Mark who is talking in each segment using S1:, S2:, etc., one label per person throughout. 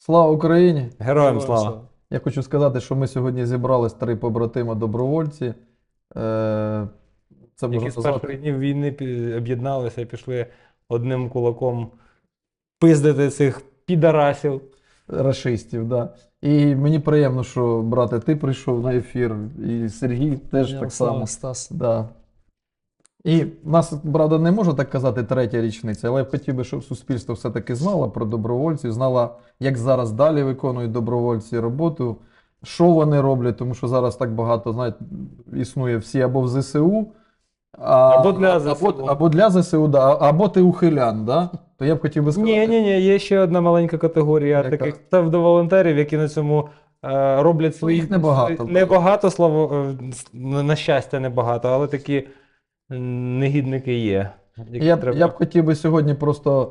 S1: Слава Україні!
S2: Героям слава!
S1: Я хочу сказати, що ми сьогодні зібрались 3 побратима добровольці. Це
S2: Які
S1: можна
S2: з перших
S1: назвати
S2: днів війни об'єдналися і пішли одним кулаком пиздити цих підарасів.
S1: рашистів. Да. І мені приємно, що, брате, ти прийшов на ефір, і Сергій теж так само.
S3: Стас.
S1: Да. І в нас, правда, не можу так казати 3-я річниця, але я б хотів би, щоб суспільство все-таки знало про добровольців, знало, як зараз далі виконують добровольці роботу, що вони роблять, тому що зараз так багато, знаєте, існує всі або в ЗСУ,
S2: Або для ЗСУ.
S1: або для ЗСУ, да, або ти ухилян, да? То я б хотів би сказати.
S2: Ні, є ще одна маленька категорія
S1: Яка?
S2: таких псевдоволонтерів, які на цьому роблять свої...
S1: Їх небагато.
S2: Небагато, на щастя, небагато, але такі негідники є. які
S1: Я
S2: треба-
S1: б хотів би сьогодні просто,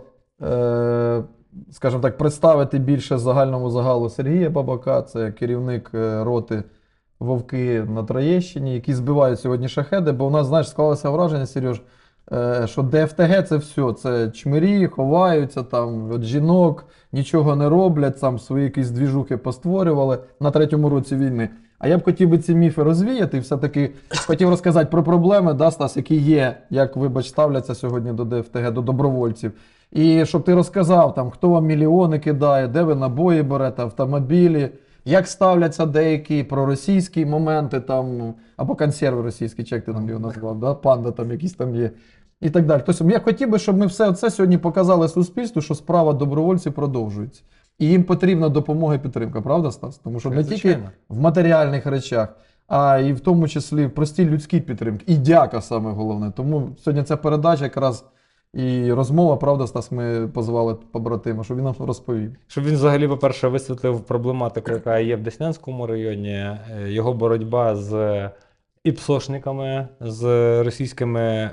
S1: скажімо так, представити більше загальному загалу Сергія Бабака, це керівник роти Вовки на Троєщині, які збивають сьогодні шахеди, бо у нас, знаєш, склалося враження, Сереж, що ДФТГ це все, це чмирі, ховаються там від жінок, нічого не роблять, там свої якісь двіжухи постворювали на 3-му році війни. А я б хотів би ці міфи розвіяти і все-таки хотів розказати про проблеми, да, Стас, які є, як, вибач, ставляться сьогодні до ДФТГ, до добровольців. І щоб ти розказав, там, хто вам мільйони кидає, де ви набої берете, автомобілі, як ставляться деякі проросійські моменти, там, або консерви російські, чи як ти там його назвав, да? Панда там якісь там є. І так далі. Тобто я хотів би, щоб ми все це сьогодні показали суспільству, що справа добровольців продовжується. І їм потрібна допомога і підтримка, правда, Стас? Тому що не тільки
S2: Звичайно.
S1: в матеріальних речах, а і в тому числі в простій людській підтримці. І дяка саме головне. Тому сьогодні ця передача якраз і розмова, правда, Стас, ми позвали побратима, щоб він нам розповів.
S2: Щоб він взагалі, по-перше, висвітлив проблематику, яка є в Деснянському районі, його боротьба з іпсошниками, з російськими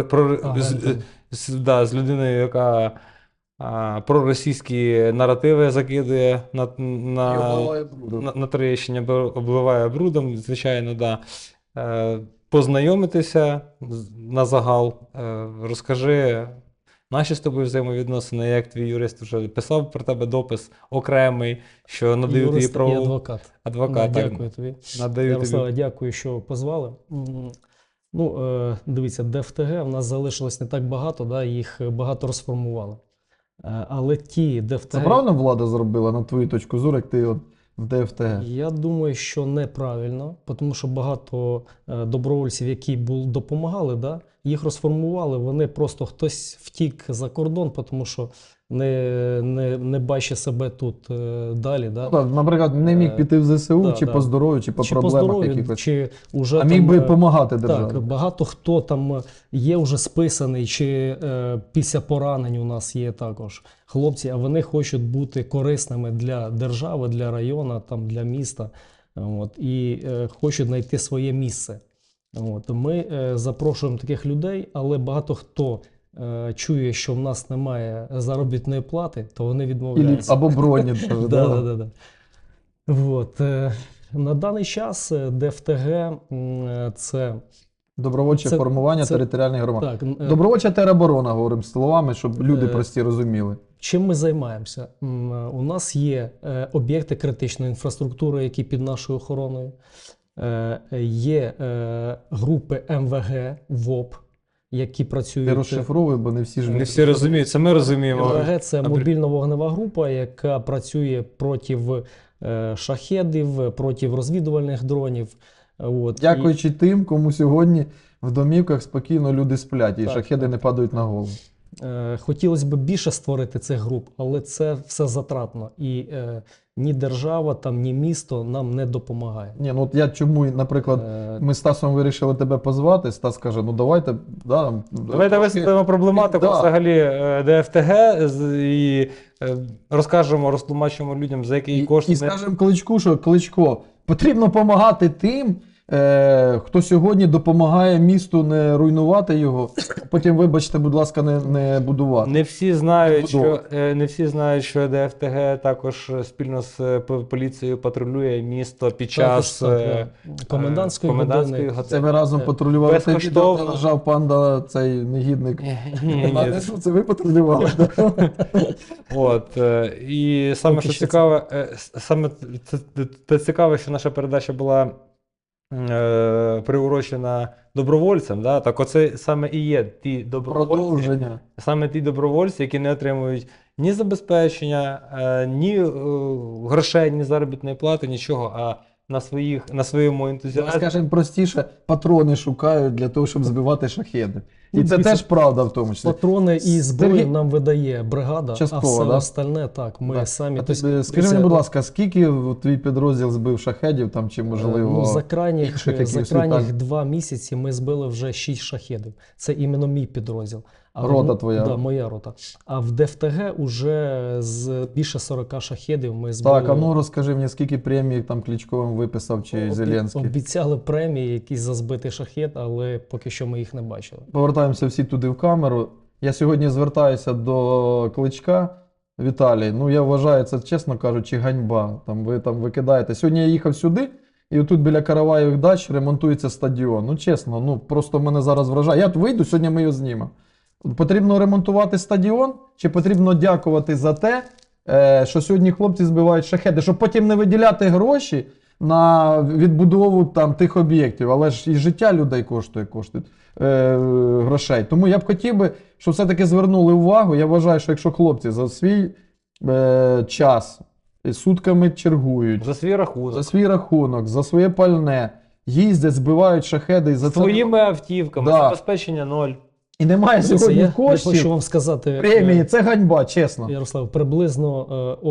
S2: з людиною, яка проросійські наративи закидує на Троєщині, обливає брудом, звичайно, да. Познайомитися на загал, розкажи наші з тобою взаємовідносини, як твій юрист вже писав про тебе допис окремий, що надаю тобі
S3: Юрист і
S2: право.
S3: адвокат.
S2: Адвокат,
S3: Да,
S2: так.
S3: дякую тобі.
S2: Надаю
S3: Ярославе,
S2: тобі.
S3: дякую, що позвали. Дивіться, ДФТГ в нас залишилось не так багато, да, їх багато розформували. Але ті
S1: Це
S3: ДФТГ,
S1: правильно влада зробила, на твою точку зору, як ти от в ДФТГ?
S3: я думаю, що неправильно, тому що багато добровольців, які допомагали, да, їх розформували, вони просто хтось втік за кордон, тому що не бачить себе тут далі. Да.
S1: Ну, так, наприклад, не міг піти в ЗСУ,
S3: Да,
S1: чи
S3: да.
S1: по здоров'ю, чи по
S3: Чи по
S1: проблемах
S3: здоров'ю,
S1: якихось.
S3: чи уже
S1: А міг
S3: там,
S1: би допомагати державі.
S3: Так, багато хто там є вже списаний, чи після поранень у нас є також хлопці, а вони хочуть бути корисними для держави, для району, там, для міста, от, і хочуть знайти своє місце. От. Ми запрошуємо таких людей, але багато хто чує, що в нас немає заробітної плати, то вони відмовляються.
S1: Або броні. даже, да?
S3: Да. Вот. На даний час ДФТГ це
S1: Добровольче
S3: Це-
S1: формування
S3: це-
S1: територіальних громад.
S3: так.
S1: Добровольча тероборона, говоримо словами, щоб люди
S3: Е,
S1: прості розуміли.
S3: Чим ми займаємося? У нас є об'єкти критичної інфраструктури, які під нашою охороною. Є групи МВГ, ВОП, які працюють.
S1: Ти розшифровуй, бо не всі ж
S2: Не всі розуміють, це ми розуміємо.
S3: МВГ – це мобільно-вогнева група, яка працює проти шахедів, проти розвідувальних дронів. От.
S1: Дякуючи тим, кому сьогодні в домівках спокійно люди сплять, і
S3: Так,
S1: шахеди
S3: так.
S1: не падають на голову.
S3: Хотілося б більше створити цих груп, але це все затратно. І ні держава, там, ні місто нам не допомагає.
S1: Ні, ну от я чому, наприклад, ми з Стасом вирішили тебе позвати, Стас каже, ну давайте, да,
S2: Давайте висвітлимо проблематику
S1: Да.
S2: взагалі ДФТГ і розкажемо, розтлумачимо людям, за який кошт
S1: І скажемо Кличку, що Кличко, потрібно допомагати тим, хто сьогодні допомагає місту не руйнувати його, а потім, вибачте, будь ласка, не будувати.
S2: Не всі знають,
S1: Будова.
S2: не всі знають, що ДФТГ також спільно з поліцією патрулює місто під час
S3: комендантської
S2: комендантської
S3: години.
S1: Це ви разом патрулювали те відео,
S2: Безкоштовно.
S1: де лежав панда, цей негідник.
S2: Ні.
S1: Це ви патрулювали?
S2: От, і саме
S3: Поки
S2: що
S3: що
S2: цікаве, саме це цікаве, що наша передача була приурочена добровольцям. Да? Так оце саме і є ті добровольці,
S1: Продовження.
S2: саме ті добровольці, які не отримують ні забезпечення, ні грошей, ні заробітної плати, нічого, а на своєму ентузіазмі.
S1: Скажемо простіше, патрони шукають для того, щоб збивати шахеди. І
S3: Ну,
S1: це
S3: дивіться,
S1: теж правда в тому числі.
S3: Патрони і зброю
S1: Сергій-
S3: нам видає бригада,
S1: Частково,
S3: а все
S1: да?
S3: остальне так, ми
S1: Да.
S3: самі.
S1: А
S3: Тобто,
S1: ти, скажи мені, будь ласка, скільки твій підрозділ збив шахедів там, чи можливо?
S3: Ну, за крайніх,
S1: інших
S3: за
S1: якихось
S3: крайніх
S1: літак?
S3: 2 місяці ми збили вже 6 шахедів. Це іменно мій підрозділ.
S1: Рота твоя?
S3: Да, моя рота. А в ДФТГ уже з більше 40 шахедів ми збили.
S1: Так, а ну розкажи мені, скільки премій там Кличковим виписав чи Зеленський?
S3: Обіцяли премії якісь за збитий шахед, але поки що ми їх не бачили.
S1: Повертаємося всі туди в камеру. Я сьогодні звертаюся до Кличка. Віталій, ну я вважаю, це, чесно кажучи, ганьба. Ви там викидаєте. Сьогодні я їхав сюди, і отут біля Караваєвих дач ремонтується стадіон. Ну чесно, ну просто мене зараз вражає. Я вийду, сьогодні ми його знімемо. Потрібно ремонтувати стадіон, чи потрібно дякувати за те, що сьогодні хлопці збивають шахеди, щоб потім не виділяти гроші на відбудову там тих об'єктів, але ж і життя людей коштує грошей. Тому я б хотів би, щоб все-таки звернули увагу. Я вважаю, що якщо хлопці за свій час сутками чергують,
S2: За свій рахунок,
S1: за своє пальне, їздять, збивають шахеди і за це
S2: своїми автівками,
S1: Да.
S2: забезпечення 0.
S1: і немає
S3: Це
S1: сьогодні
S3: я хочу
S1: коштів,
S3: вам сказати,
S1: премії, це ганьба, чесно.
S3: Ярослав, приблизно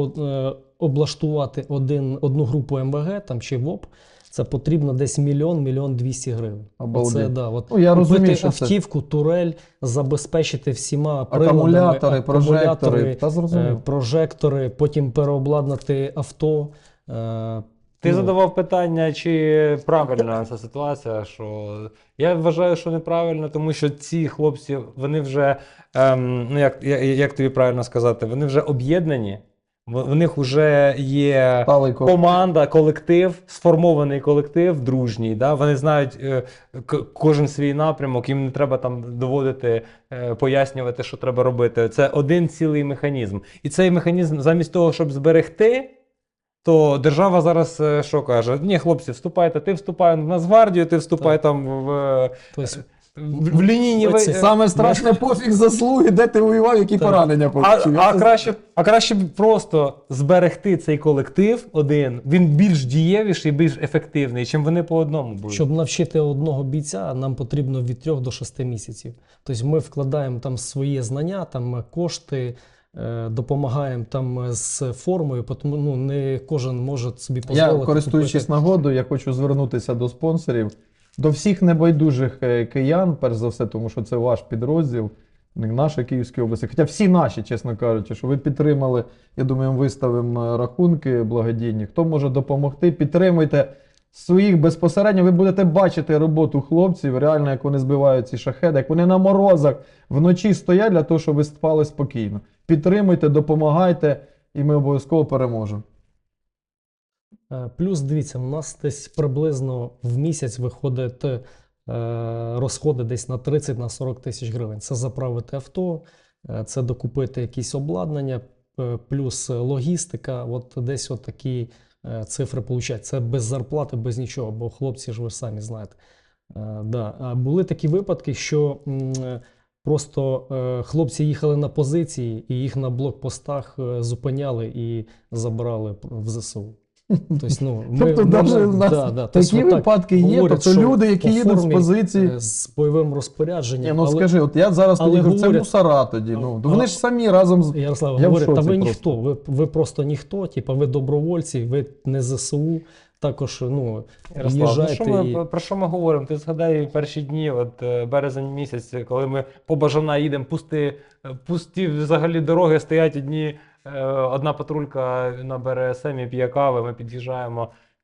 S3: облаштувати одну групу МВГ там, чи ВОП, це потрібно десь 1 200 000 гривень.
S1: Обалдеть.
S3: Оце, да, от,
S1: Ну, я розумію,
S3: купити
S1: що це
S3: автівку, турель, забезпечити всіма
S1: акумулятори,
S3: приладами,
S1: прожектори. Та зрозуміло.
S3: прожектори, потім переобладнати авто.
S2: Ти
S3: Ну,
S2: задавав питання, чи правильна ця ситуація, що я вважаю, що неправильно, тому що ці хлопці, вони вже, ну як тобі правильно сказати, вони вже об'єднані, в них вже є
S1: Сталий
S2: команда, колектив, сформований колектив, дружній, да? Вони знають кожен свій напрямок, їм не треба там доводити, пояснювати, що треба робити. Це один цілий механізм. І цей механізм, замість того, щоб зберегти, то держава зараз що каже? Ні, хлопці, вступайте, ти вступай в Нацгвардію, ти вступай
S3: Так.
S2: там
S3: тобто,
S2: в лінійні...
S3: Оце
S1: Саме страшне пофіг заслуги, де ти воював, які
S3: Так.
S1: поранення получив.
S2: А краще б просто зберегти цей колектив один, він більш дієвіший, більш ефективний, чим вони по одному будуть.
S3: Щоб навчити одного бійця, нам потрібно від 3 до 6 місяців. Тобто ми вкладаємо там свої знання, там кошти, допомагаємо там з формою, тому ну, не кожен може собі дозволити.
S1: Я, користуючись
S3: купити.
S1: нагодою, я хочу звернутися до спонсорів, до всіх небайдужих киян, перш за все, тому що це ваш підрозділ, не наша Київська область, хоча всі наші, чесно кажучи, що ви підтримали, я думаю, ми виставимо рахунки благодійні. Хто може допомогти, підтримуйте своїх безпосередньо, ви будете бачити роботу хлопців, реально, як вони збивають ці шахеди, як вони на морозах вночі стоять для того, щоб ви спали спокійно. Підтримуйте, допомагайте, і ми обов'язково переможемо.
S3: Плюс, дивіться, у нас десь приблизно в місяць виходить розходи десь на 30-40 тисяч гривень. Це заправити авто, це докупити якісь обладнання, плюс логістика. От десь от такі цифри получать. Це без зарплати, без нічого, бо хлопці ж ви ж самі знаєте. Да. А були такі випадки, що просто хлопці їхали на позиції і їх на блокпостах зупиняли і забрали в ЗСУ. Тобто, ну,
S1: Тобто, навіть у нас такі випадки є,
S3: говорять,
S1: тобто
S3: що
S1: люди, які
S3: по
S1: їдуть з
S3: формі,
S1: позиції.
S3: з бойовим розпорядженням.
S1: Ні, ну
S3: але,
S1: скажи, от я зараз
S3: але
S1: тоді кажу, це
S3: говорять-
S1: мусора тоді. Ну,
S3: А-
S1: вони ж самі разом з.
S3: Ярослав
S1: Я в
S3: говорить, та
S1: шоці
S3: ви
S1: просто.
S3: ніхто, ви просто ніхто, типа ви добровольці, ви не ЗСУ, також ну,
S2: Ярослав, ну,
S3: їжджайте.
S2: про що ми говоримо? Ти згадай перші дні, от березень місяць, коли ми по Бажана їдемо, пусті взагалі дороги, стоять одна патрулька на БРСМ і п'є кави, ми під'їжджаємо,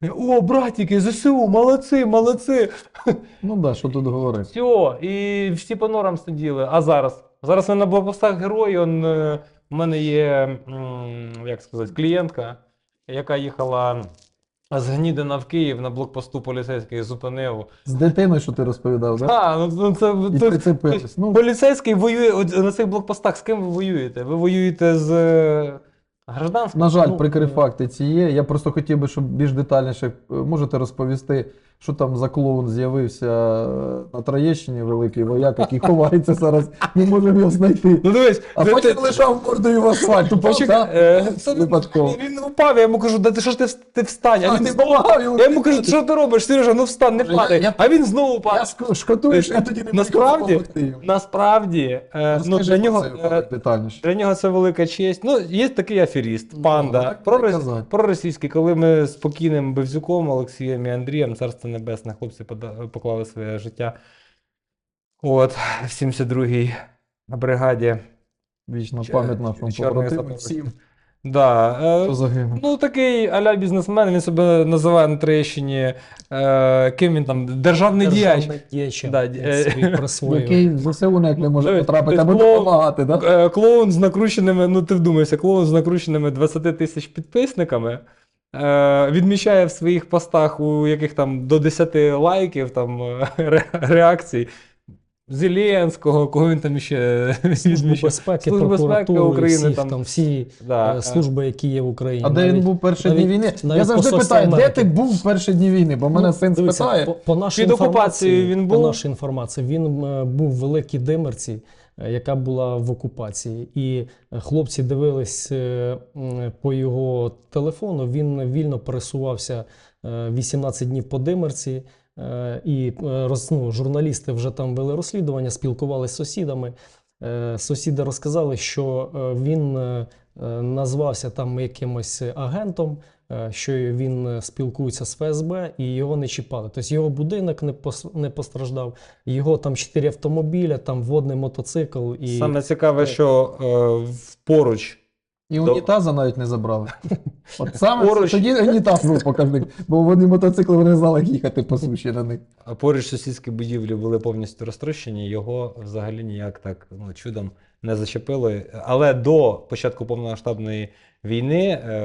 S2: О, братики, ЗСУ, молодці, молодці.
S1: Ну да, що тут говорити.
S2: Все, і всі по норам сиділи. А зараз? Зараз ми на блокпостах герої. У мене є, як сказати, клієнтка, яка їхала з Гнідина в Київ на блокпосту поліцейський зупинив.
S1: З дитиною, що ти розповідав, так? Да?
S2: Ну це
S1: І прицепились. Ну,
S2: поліцейський воює от на цих блокпостах. З ким ви воюєте? Ви воюєте з гражданським?
S1: на жаль,
S3: Ну,
S1: прикрі факти ці є. Я просто хотів би, щоб більш детальніше можете розповісти, що там за клоун з'явився на Троєщині, великий вояк, який ховається зараз. Ми можемо його знайти.
S2: Ну дивись,
S1: А потім лежав мордою в асфальт. Упав,
S2: Почекай,
S1: так?
S2: це
S1: Випадково.
S2: він упав, я йому кажу, да ти що ж ти встань? А
S1: А,
S2: він
S1: ти допомагав йому.
S2: Я йому кажу, що ти робиш, Сережа, ну встань, не
S1: Я-
S2: падай.
S1: я-
S2: А він знову
S1: Я
S2: падає.
S1: шкодую, що я тоді не
S2: Насправді-
S1: міг допомогти йому.
S2: Насправді, ну,
S1: Розкажи
S2: для
S1: про
S2: нього,
S1: цей випадок детальніше.
S2: для нього це велика честь. Ну, є такий аферіст,
S1: Ну,
S2: панда,
S1: так треба казати.
S2: проросійський, коли ми з покійним Бевзюком, Олексієм і Андрієм, царство небесне, хлопці поклали своє життя. От, в 72-й бригаді.
S1: Вічна
S2: Ч-
S1: пам'ять нашому
S2: чорний
S1: побратиму
S2: сапер.
S1: всім,
S2: Да,
S1: хто загинув.
S2: ну, такий а-ля бізнесмен, він себе називає на Троєщині, ким він там, державний діяч.
S3: діячем,
S2: Да,
S3: як собі присвоїв.
S1: Який в ЗСУ ніяк не може
S2: Тобто
S1: потрапити, аби
S2: клоун-
S1: допомагати, так?
S2: Клоун з накрученими, ну ти вдумайся, клоун з накрученими 20 тисяч підписниками. Відмічає в своїх постах, у яких там до 10 лайків, там реакцій. Зеленського, кого він там ще
S3: Службу
S2: відмічає.
S3: безпеки,
S2: Служба безпеки
S3: прокуратури,
S2: України,
S3: всіх,
S2: там,
S3: там всі
S2: да,
S3: служби, які є в Україні.
S1: А де він був перші дні війни? Я
S3: навіть
S1: завжди
S3: посольство
S1: питаю, де
S3: Америки.
S1: ти був в перші дні війни? Бо мене син
S3: Дивіться,
S1: спитає.
S3: по нашій
S2: Під окупацією
S3: інформації,
S2: він
S3: по
S2: був?
S3: нашій інформації, він був в Великій Димерці, яка була в окупації. І хлопці дивились по його телефону, він вільно пересувався 18 днів по Димерці. І журналісти вже там вели розслідування, спілкувалися з сусідами. Сусіди розказали, що він назвався там якимось агентом, що він спілкується з ФСБ і його не чіпали. Тобто його будинок не постраждав, його там 4 автомобіля, там водний мотоцикл. І
S2: Саме цікаве, що поруч.
S1: І унітаза навіть не забрали. От саме
S2: Поруч.
S1: тоді унітаз був показник, бо вони мотоцикли вони не знали, як їхати по суші на них.
S2: А поруч сусідські будівлі були повністю розтрощені, його взагалі ніяк так чудом не зачепило. Але до початку повномасштабної війни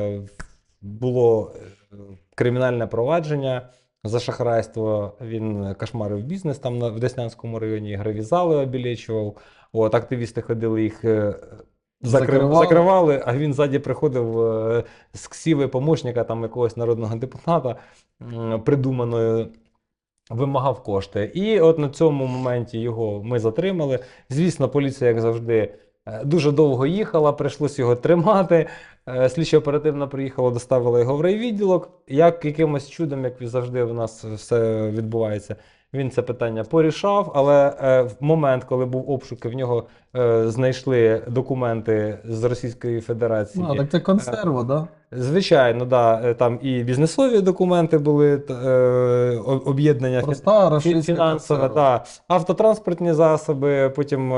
S2: було кримінальне провадження за шахрайство. Він кошмарив бізнес там в Деснянському районі, гравізали обілечував. От, активісти ходили їх. Закривали, а він ззаді приходив з ксіви помощника там якогось народного депутата придуманою, вимагав кошти. І от на цьому моменті його ми затримали. Звісно, поліція, як завжди, дуже довго їхала, прийшлося його тримати. Слідчо-оперативно приїхала, доставила його в райвідділок. Як якимось чудом, як завжди в нас все відбувається, він це питання порішав, але в момент, коли був обшук, в нього знайшли документи з Російської Федерації.
S1: Ну, так це консерва, да?
S2: Звичайно, да, там і бізнесові документи були, об'єднання
S1: Проста рашистська
S2: фінансове,
S1: консерва.
S2: да, автотранспортні засоби, потім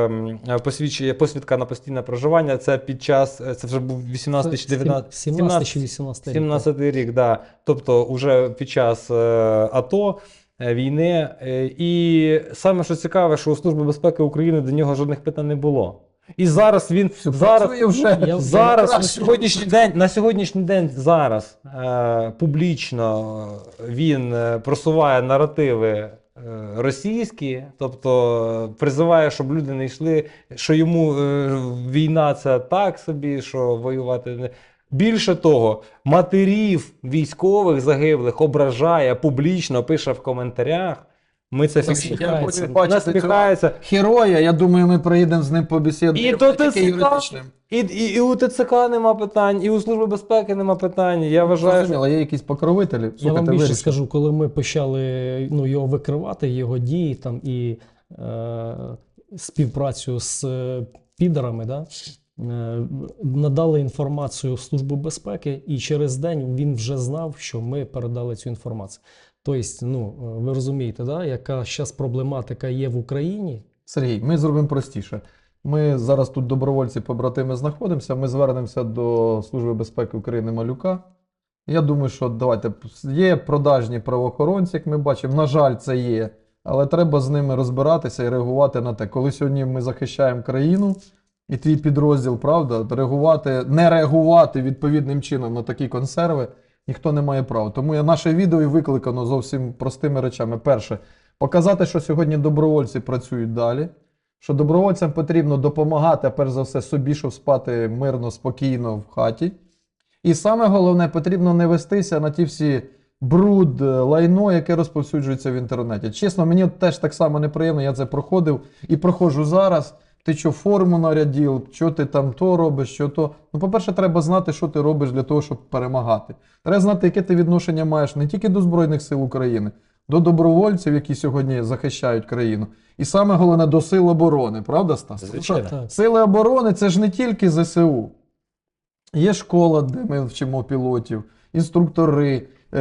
S2: посвідка на постійне проживання. Це під час, це вже був 18 чи 19,
S3: 17 чи 18 рік.
S2: 17 рік, да. Тобто вже під час АТО, війни. І саме що цікаве, що у Служби безпеки України до нього жодних питань не було. І зараз він
S1: Працює вже.
S2: зараз
S1: Краще.
S2: на сьогоднішній день зараз публічно він просуває наративи російські, тобто призиває, щоб люди не йшли, що йому війна це так собі, що воювати не. Більше того, матерів військових загиблих ображає публічно, пише в коментарях. Ми це
S3: Насміхається.
S1: Я хочу бачити цього
S2: насміхається.
S1: героя, я думаю, ми приїдемо з ним
S2: І
S1: побесідуємо.
S2: до
S1: Тільки
S2: ТЦК,
S1: юридичним.
S2: і у ТЦК нема питань, і у Служби безпеки нема питань. Я вважаю, що
S1: Зрозуміло, є якісь покровителі.
S3: Я вам
S1: Слухайте,
S3: більше
S1: вирішимо.
S3: скажу, коли ми почали його викривати, його дії там і співпрацю з підерами, да, надали інформацію в Службу безпеки, і через день він вже знав, що ми передали цю інформацію. Тобто, ви розумієте, да, яка зараз проблематика є в Україні.
S1: Сергій, ми зробимо простіше. Ми зараз тут добровольці-побратими знаходимося, ми звернемося до Служби безпеки України Малюка. Я думаю, що давайте є продажні правоохоронці, як ми бачимо. На жаль, це є. Але треба з ними розбиратися і реагувати на те. Коли сьогодні ми захищаємо країну і твій підрозділ, правда, не реагувати відповідним чином на такі консерви ніхто не має права. Тому наше відео і викликано зовсім простими речами. Перше, показати, що сьогодні добровольці працюють далі, що добровольцям потрібно допомагати, а перш за все собі, щоб спати мирно, спокійно в хаті. І саме головне, потрібно не вестися на ті всі бруд, лайно, яке розповсюджується в інтернеті. Чесно, мені теж так само неприємно, я це проходив і проходжу зараз. Ти що форму нарядив, що ти там то робиш, що то. Ну, по-перше, треба знати, що ти робиш для того, щоб перемагати. Треба знати, яке ти відношення маєш не тільки до Збройних сил України, до добровольців, які сьогодні захищають країну. І саме головне, до сил оборони, правда, Стас? Тому що
S2: Звичайно.
S1: сили оборони – це ж не тільки ЗСУ. Є школа, де ми вчимо пілотів, інструктори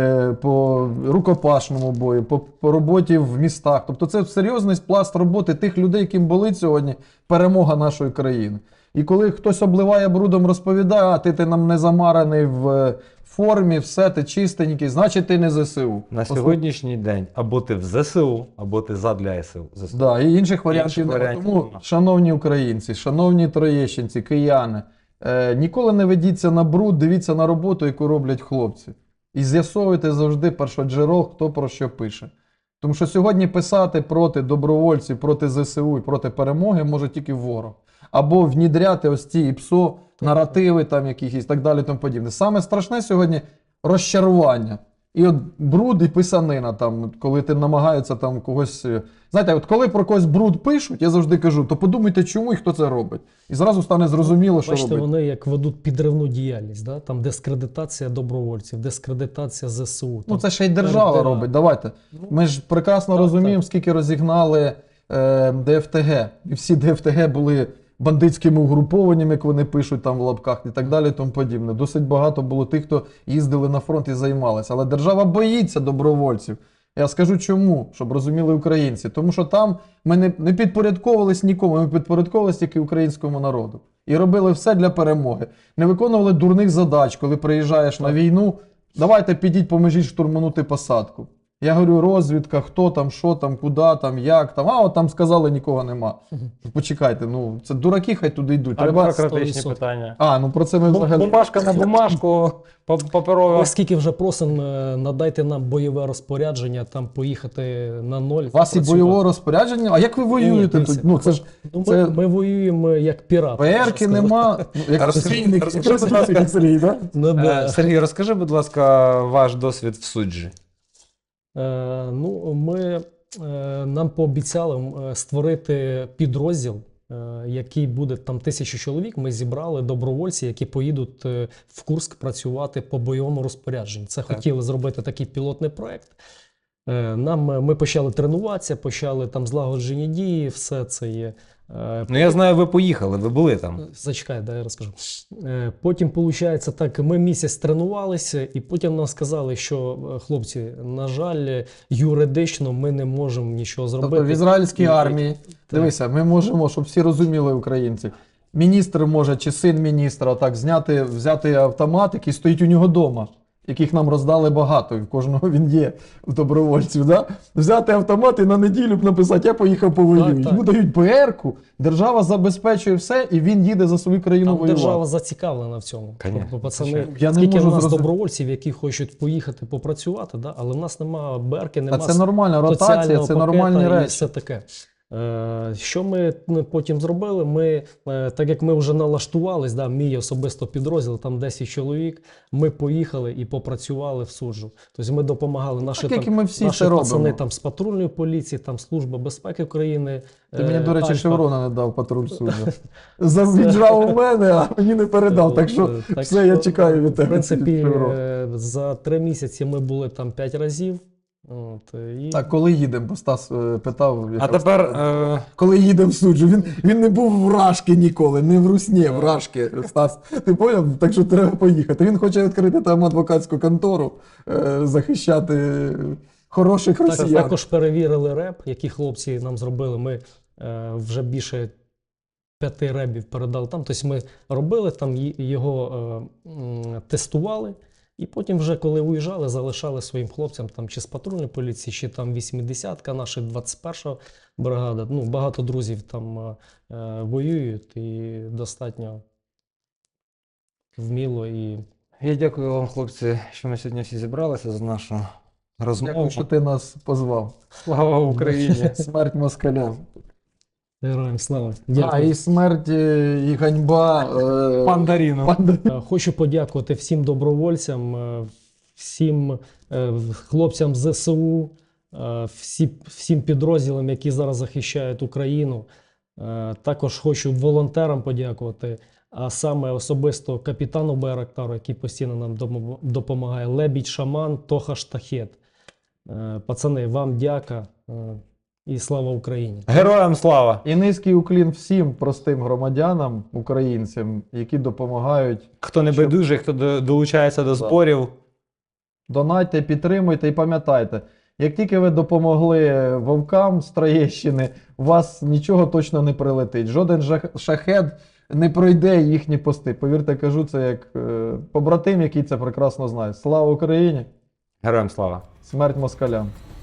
S1: по рукопашному бою, по роботі в містах. Тобто це серйозний пласт роботи тих людей, яким болить сьогодні перемога нашої країни. І коли хтось обливає брудом, розповідає, а ти нам не замараний в формі, все, ти чистенький, значить ти не ЗСУ.
S2: На сьогоднішній день або ти в ЗСУ, або ти задля ЗСУ.
S1: Да, і інших варіантів немає.
S2: варіантів
S1: Тому,
S2: нема.
S1: шановні українці, шановні троєщинці, кияни, ніколи не ведіться на бруд, дивіться на роботу, яку роблять хлопці. І з'ясовуйте завжди першоджерел, хто про що пише. Тому що сьогодні писати проти добровольців, проти ЗСУ і проти перемоги може тільки ворог. Або внідряти ось ці ІПСО, наративи там якісь і так далі тому подібне. Саме страшне сьогодні розчарування. І от бруд і писанина, там, коли ти намагається там когось. Знаєте, от коли про когось бруд пишуть, я завжди кажу, то подумайте, чому і хто це робить. І зразу стане зрозуміло, що
S3: Бачите,
S1: робить.
S3: вони як ведуть підривну діяльність, да? Там дискредитація добровольців, дискредитація ЗСУ.
S1: Ну
S3: Там
S1: це ще й держава
S3: РДА.
S1: робить. Давайте. Ми ж прекрасно
S3: так,
S1: розуміємо, скільки розігнали ДФТГ. І всі ДФТГ були бандитськими угрупованнями, як вони пишуть там в лапках і так далі, і тому подібне. Досить багато було тих, хто їздили на фронт і займалися. Але держава боїться добровольців. Я скажу чому, щоб розуміли українці. Тому що там ми не підпорядковувались нікому, ми підпорядковувались тільки українському народу. І робили все для перемоги. Не виконували дурних задач, коли приїжджаєш на війну, давайте підіть, поможіть штурманути посадку. Я говорю, розвідка, хто там, що там, куди там, як там. А от там сказали, нікого нема. Почекайте, ну це дураки, хай туди йдуть.
S2: А
S1: Треба...
S2: бюрократичні
S3: 100%.
S2: питання.
S1: Ну про це ми взагалі...
S2: Бумажка на бумажку, паперова.
S3: Оскільки вже просимо, надайте нам бойове розпорядження, там поїхати на ноль.
S1: У вас і
S3: працювати.
S1: бойового розпорядження? А як ви воюєте
S3: Ні,
S1: тут? Ну це ж...
S3: Ну,
S1: це-
S3: ми воюємо як пірати.
S1: ПР-ки нема. Ну, як
S2: Розкажіть,
S1: Сергій, да?
S3: Ну, да.
S2: Сергій, розкажи, будь ласка, ваш досвід в суджі.
S3: Нам пообіцяли створити підрозділ, який буде там 1000 чоловік. Ми зібрали добровольці, які поїдуть в Курськ працювати по бойовому розпорядженню. Це хотіли зробити такий пілотний проект. Ми почали тренуватися, почали там злагоджені дії, все це є.
S2: Ну я знаю, ви поїхали, ви були там.
S3: Зачекай, дай я розкажу. Потім, виходить, так, ми місяць тренувалися, і потім нам сказали, що, хлопці, на жаль, юридично ми не можемо нічого зробити.
S1: Тобто в ізраїльській
S3: І-
S1: армії, дивися, ми можемо, щоб всі розуміли українці, міністр може, чи син міністра, отак взяти автомат, який стоїть у нього вдома, яких нам роздали багато, і в кожного він є, в добровольців, да? Взяти автомат і на неділю б написати, я поїхав повоюю.
S3: Так, так.
S1: Йому дають ПР-ку, держава забезпечує все, і він їде за свою країну
S3: Там
S1: воювати.
S3: держава зацікавлена в цьому.
S2: Конечно,
S3: Тобто, пацани,
S2: звичайно.
S1: Я не
S3: скільки
S1: можу
S3: в нас
S1: зрозуміти.
S3: добровольців, які хочуть поїхати попрацювати, да? Але в нас немає берки,
S1: А
S3: немає
S1: це нормальна ротація,
S3: соціального
S1: це
S3: пакета
S1: нормальні
S3: і
S1: речі.
S3: все таке. Що ми потім зробили? Ми, так як ми вже налаштувались, да, мій особисто підрозділ, там 10 чоловік, ми поїхали і попрацювали в суджу. Тобто ми допомагали наші,
S1: як і ми всі
S3: наші
S1: це
S3: пацани
S1: робимо.
S3: там, з патрульної поліції, там Служба безпеки України.
S1: Ти мені, до речі,
S3: Альфа.
S1: шеврона не дав патруль суду. Віджав у мене, а мені не передав. Так що
S3: Так
S1: все, я
S3: що,
S1: чекаю від
S3: В
S1: тебе.
S3: принципі,
S1: шеврон.
S3: за 3 місяці ми були там 5 разів. От, і...
S1: Так, коли їдемо? Бо Стас питав.
S2: А тепер
S1: Коли їдемо в суджу, він не був в Рашки ніколи, не в Русні, в Рашки, Стас. Ти поняв? Так що треба поїхати. Він хоче відкрити там адвокатську контору, захищати хороших
S3: Так,
S1: росіян.
S3: також перевірили реп, які хлопці нам зробили. Ми вже більше 5 ребів передали там. Тобто ми робили там, його тестували. І потім, вже коли уїжджали, залишали своїм хлопцям там чи з патрульної поліції, чи там 80-ка, наша 21-ша бригада. Ну, багато друзів там воюють і достатньо вміло і
S2: Я дякую вам, хлопці, що ми сьогодні всі зібралися за нашу розмову.
S1: Дякую, що ти нас позвав.
S2: Слава Україні!
S1: Смерть москалям.
S3: героям слава.
S1: А,
S3: Дякую.
S1: і смерть, і ганьба.
S2: Пандаріну!
S3: Хочу подякувати всім добровольцям, всім хлопцям з ЗСУ, всім підрозділам, які зараз захищають Україну. Також хочу волонтерам подякувати, а саме особисто капітану Байрактару, який постійно нам допомагає, Лебідь Шаман, Тоха Штахет. Пацани, вам дяка і слава Україні!
S2: Героям слава!
S1: І низький уклін всім простим громадянам, українцям, які допомагають.
S2: Хто не
S1: Щоб-
S2: байдужий, хто долучається до зборів.
S1: Донайте, підтримуйте і пам'ятайте, як тільки ви допомогли вовкам з Троєщини, у вас нічого точно не прилетить. Жоден шахед не пройде їхні пости. Повірте, кажу це як побратим, який це прекрасно знає. Слава Україні!
S2: Героям слава!
S1: Смерть москалям!